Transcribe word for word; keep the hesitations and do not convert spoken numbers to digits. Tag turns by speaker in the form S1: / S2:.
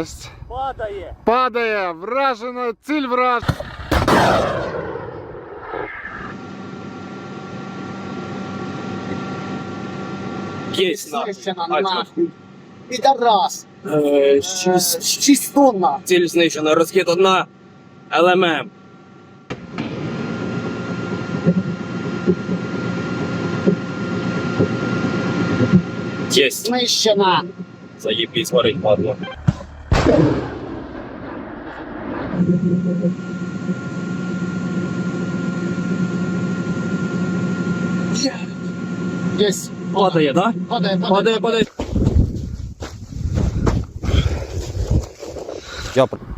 S1: Єсть.
S2: Падає.
S1: Падає. Вражена. Ціль враж.
S2: Єсть на.
S3: Знищена нахуй. Підарас.
S2: Е, шість.
S3: Шість тонн нахуй.
S2: Ціль знищена. Розхід одна. Ел Ем Ем. Єсть.
S3: Знищена.
S2: Заєбісь, варить падло.
S3: Єсть.
S2: Падає, да?
S3: Падає,
S2: Падає, падає.
S4: Я